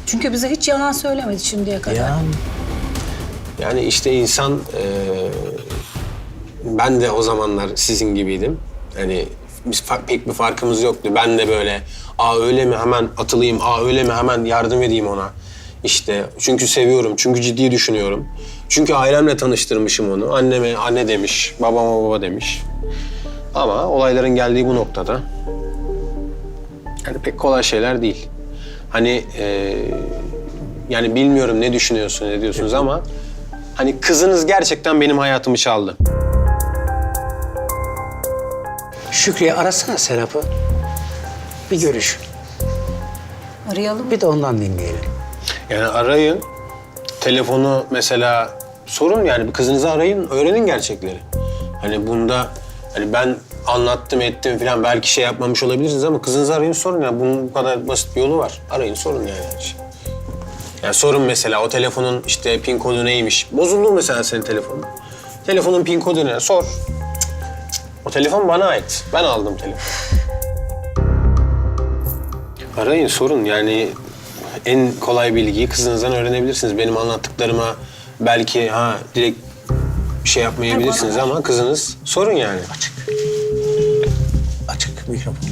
Çünkü bize hiç yalan söylemedi şimdiye kadar. Yani işte insan... ben de o zamanlar sizin gibiydim. Hani biz pek bir farkımız yoktu. Ben de böyle öyle mi hemen atılayım, öyle mi hemen yardım edeyim ona. İşte çünkü seviyorum, çünkü ciddi düşünüyorum. Çünkü ailemle tanıştırmışım onu. Anneme anne demiş, babama baba demiş. Ama olayların geldiği bu noktada... yani pek kolay şeyler değil. Hani yani bilmiyorum ne düşünüyorsun, ne diyorsunuz ama... hani kızınız gerçekten benim hayatımı çaldı. Şükrü'ye arasana Serap'ı. Bir görüş. Arayalım. Bir de ondan dinleyelim. Yani arayın. Telefonu mesela sorun yani bir kızınızı arayın, öğrenin gerçekleri. Hani bunda hani ben anlattım ettim falan belki şey yapmamış olabilirsiniz ama kızınızı arayın sorun yani bunun bu kadar basit bir yolu var. Arayın sorun yani her şey. Yani sorun mesela o telefonun işte pin kodu neymiş? Bozuldu mesela senin telefonun. Telefonun pin kodu ne? Sor. O telefon bana ait. Ben aldım telefonu. Arayın sorun yani en kolay bilgiyi kızınızdan öğrenebilirsiniz. Benim anlattıklarıma belki direkt şey yapmayabilirsiniz ama kızınız sorun yani. Açık. Açık mikrofonla.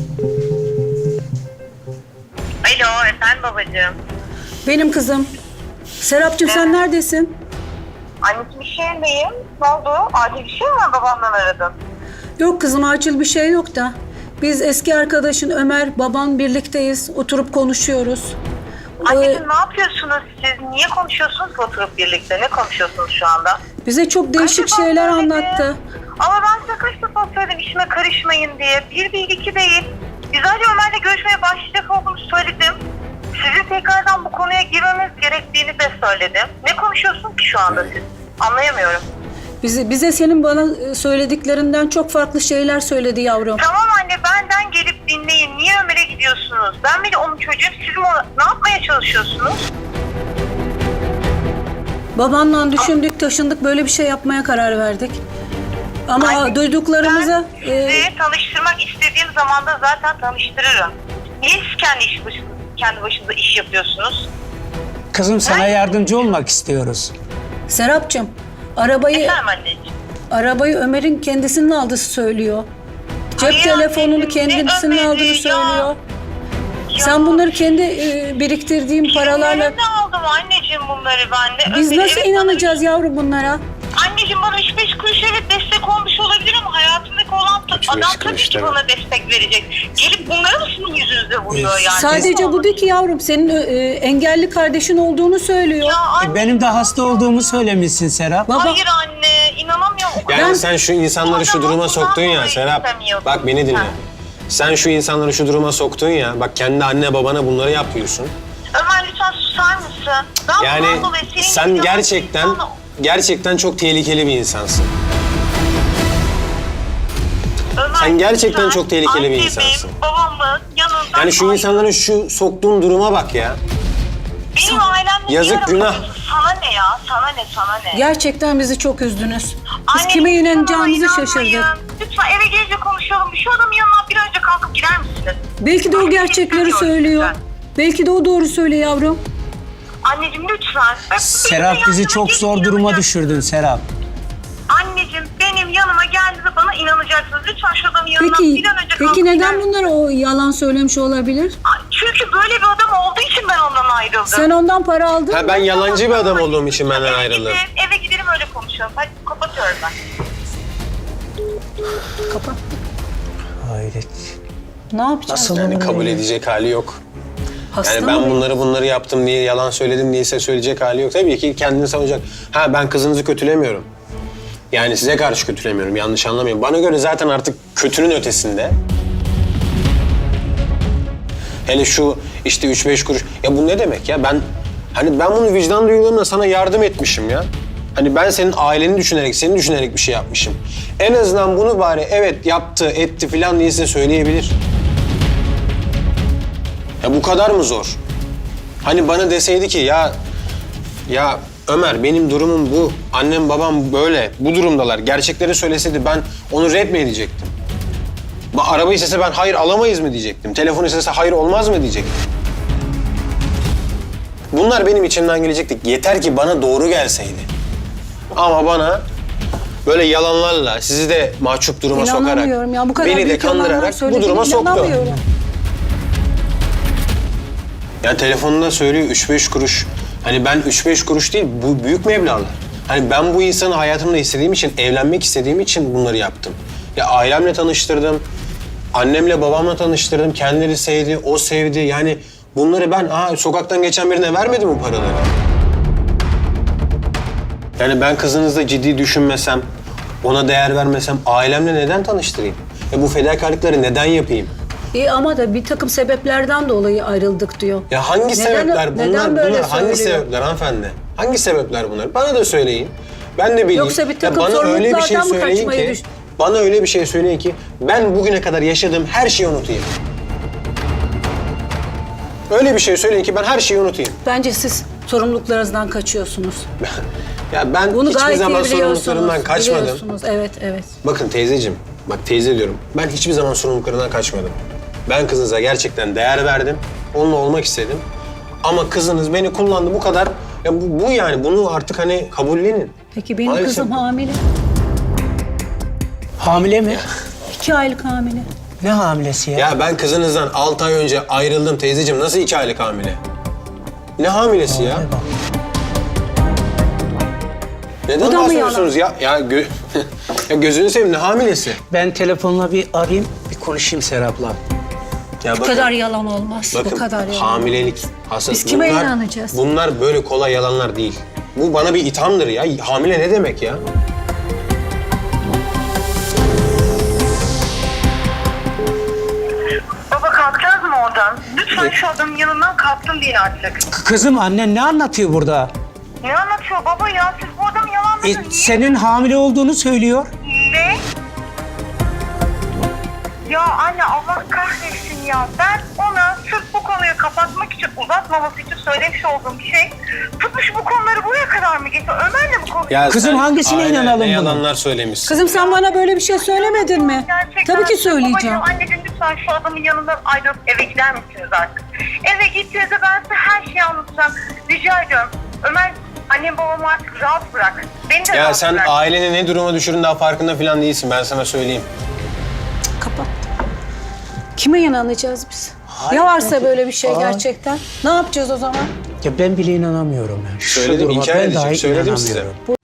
Alo, efendim babacığım. Benim kızım. Serapcığım sen neredesin? Anneciğim iş yerindeyim. Ne oldu? Acil bir şey mi var? Babamdan aradım. Yok kızım acil bir şey yok da. Biz eski arkadaşın Ömer, baban birlikteyiz. Oturup konuşuyoruz. Anneciğim ne yapıyorsunuz siz? Niye konuşuyorsunuz ki oturup birlikte? Ne konuşuyorsunuz şu anda? Bize çok değişik Kaç defa şeyler söyledim? anlattı. Ama ben size kaç defa söyledim işime karışmayın diye. Bir değil, iki değil. Biz önce Ömer'le görüşmeye başlayacak olduğumu söyledim. Sizin tekrardan bu konuya girmemiz gerektiğini de söyledim. Ne konuşuyorsun ki şu anda siz? Anlayamıyorum. Bize senin bana söylediklerinden çok farklı şeyler söyledi yavrum. Tamam anne benden gelip dinleyin. Niye Ömer'e gidiyorsunuz? Ben bile onun çocuğuyum. Siz ne yapmaya çalışıyorsunuz? Babanla düşündük, taşındık, böyle bir şey yapmaya karar verdik. Ama Anne, duyduklarımıza... Ben sizi tanıştırmak istediğim zaman da zaten tanıştırırım. Niye siz kendi başınıza iş yapıyorsunuz? Kızım sana yardımcı olmak istiyoruz. Serapcığım, arabayı Ömer'in kendisinin aldığı söylüyor. Cep Hayır telefonunu anneciğim, ne kendisinin Ömer'i aldığını ya? söylüyor. Ya, Sen bunları kendi biriktirdiğin paralarla... Nerede aldım anneciğim bunları ben de? Biz Ömer'i, nasıl inanacağız yavrum bunlara? Anneciğim bana 3-5 kuruş evet destek olmuş olabilir ama hayatımdaki olan adam tabii ki bana destek verecek. Gelip bunları mı sizin yüzünüze vuruyor yani? Sadece bu değil ki yavrum. Senin engelli kardeşin olduğunu söylüyor. Ya anne, Benim de hasta olduğumu söylemişsin Serap. Baba, hayır anne inanamıyorum. O kadar- Yani sen şu insanları şu duruma soktun ya Serap. Bak beni dinle. Sen şu insanları şu duruma soktun ya. Bak kendi anne babana bunları yapıyorsun. Ömer lütfen susar mısın? Ben Yani bundan dolayı senin sen gibi gerçekten çok tehlikeli bir insansın. Ömer, Sen gerçekten lütfen çok tehlikeli bir annemi, insansın. babamı yanından Yani şu insanların şu soktuğun duruma bak ya. Benim ailemle Yazık, niye günah. aramıyorsun? Sana ne ya? Sana ne? gerçekten bizi çok üzdünüz. Biz Anne, kime lütfen inanacağımızı bana şaşırdık. inanmayın. Lütfen eve gelince konuşalım. Şu adamın yanından bir önce kalkıp gider misiniz? Belki de o gerçekleri söylüyor. Belki de o doğru söylüyor yavrum. Anneciğim lütfen. Serap bizi çok zor duruma düşürdün Serap. Anneciğim benim yanıma geldiğinde bana inanacaksınız. Lütfen şu adamın yanından Peki, bir an önce kalkıp peki neden gider misiniz? bunlara o yalan söylemiş olabilir? Çünkü böyle bir adam olduğu için ben ondan ayrıldım. Sen ondan para aldın mı? Ben yalancı bir adam olduğum için benden ayrıldım. Eve gidelim öyle konuşalım. Hadi kapatıyorum ben. Kapat. Hayret. Ne yapacağız? Nasıl Yani olur kabul ya? edecek hali yok. Hasta Yani mı? ben bunları yaptım diye yalan söyledim diye size söyleyecek hali yok. Tabii ki kendini savunacak. Ben kızınızı kötülemiyorum. Yani size karşı kötülemiyorum. Yanlış anlamayın. Bana göre zaten artık kötünün ötesinde. Hele şu işte 3-5 kuruş. Ya bu ne demek ya? Ben bunu vicdan duygularımla sana yardım etmişim ya. Hani ben senin aileni düşünerek, seni düşünerek bir şey yapmışım. En azından bunu bari evet yaptı, etti falan diye size söyleyebilir. Ya bu kadar mı zor? Hani bana deseydi ki ya Ömer benim durumum bu. Annem babam böyle, bu durumdalar. Gerçekleri söyleseydi ben onu red mi edecektim? Araba istese ben hayır alamayız mı diyecektim. Telefon istese hayır olmaz mı diyecektim. Bunlar benim içimden gelecekti. Yeter ki bana doğru gelseydi. Ama bana böyle yalanlarla, sizi de mahcup duruma sokarak, İnanamıyorum ya. Bu kadar beni de büyük yalanlar kandırarak bu söylediğine duruma soktu. inanamıyorum. Ya telefonunda söylüyor 3-5 kuruş. Hani ben 3-5 kuruş değil, bu büyük meblağlar. Hani ben bu insanı hayatımda istediğim için, evlenmek istediğim için bunları yaptım. Ya ailemle tanıştırdım, annemle babamla tanıştırdım. Kendileri sevdi, o sevdi. Yani bunları ben sokaktan geçen birine vermedim bu paraları. Yani ben kızınızla ciddi düşünmesem, ona değer vermesem ailemle neden tanıştırayım? Bu fedakarlıkları neden yapayım? İyi ama da bir takım sebeplerden dolayı ayrıldık diyor. Ya hangi sebepler bunlar? Neden böyle Bunlar hangi söylüyor? sebepler hanımefendi? Hangi sebepler bunlar? Bana da söyleyin. Ben de bileyim. Yoksa bir Ya takım bana öyle bir şey sorumluluklardan mı söyleyin kaçmayı ki, düş- bana öyle bir şey söyleyin ki ben bugüne kadar yaşadığım her şeyi unutayım. Öyle bir şey söyleyin ki ben her şeyi unutayım. Bence siz sorumluluklarınızdan kaçıyorsunuz. Ya ben Bunu hiçbir gayet zaman iyi biliyorsunuz. sorumluluklarımdan kaçmadım. Biliyorsunuz. Evet, evet. Bakın teyzeciğim, bak teyze diyorum. Ben hiçbir zaman sorumluluklarından kaçmadım. Ben kızınıza gerçekten değer verdim. Onunla olmak istedim. Ama kızınız beni kullandı bu kadar. Ya bu yani bunu artık hani kabullenin. Peki benim Maalesef. kızım hamile. Hamile mi? 2 aylık hamile. Ne hamilesi ya? Ya ben kızınızdan 6 ay önce ayrıldım teyzeciğim. Nasıl 2 aylık hamile? Ne hamilesi ya? Bak. Neden Bu da mı bahsediyorsunuz ya? Ya gözünü seveyim ne hamilesi? Ben telefonla bir arayayım, bir konuşayım Serap'la. Ya Bu kadar yalan olmaz. bakın Bu kadar yalan. hamilelik, hastalık. Biz kime inanacağız? Bunlar böyle kolay yalanlar değil. Bu bana bir ithamdır ya. Hamile ne demek ya? Baba kalkacağız mı oradan? Lütfen şu adamın yanından kalktın diye artık. Kızım annen ne anlatıyor burada? Ne anlatıyor baba ya? Siz bu adamı yalanladın. Niye? Senin hamile olduğunu söylüyor. Ne? Ya anne Allah kahretsin ya. Ben ona sırf bu konuyu kapatmak için, uzatmaması için söylemiş olduğum bir şey. Tutmuş bu konuları buraya kadar mı getiriyor? Ömer'le mi konuşuyor? Ya Kızım sen hangisine aynen inanalım ne bunu? yalanlar söylemişsin. Kızım sen bana böyle bir şey söylemedin mi? Gerçekten. Tabii ki söyleyeceğim. Babacığım, anneciğim lütfen şu adamın yanından ayrılıp eve gider misiniz artık? Eve gittiğinizde ben size her şeyi anlatacağım. Rica ediyorum. Ömer, annem babamı artık rahat bırak. Beni de Ya rahat sen bırak. aileni ne duruma düşürün daha farkında falan değilsin. Ben sana söyleyeyim. Kapat. Kime inanacağız biz? Ya varsa böyle bir şey gerçekten? Ne yapacağız o zaman? Ya ben bile inanamıyorum ya. Şu Söyledim, duruma inkar ben edeceğim. dahi Söyledim size. inanamıyorum.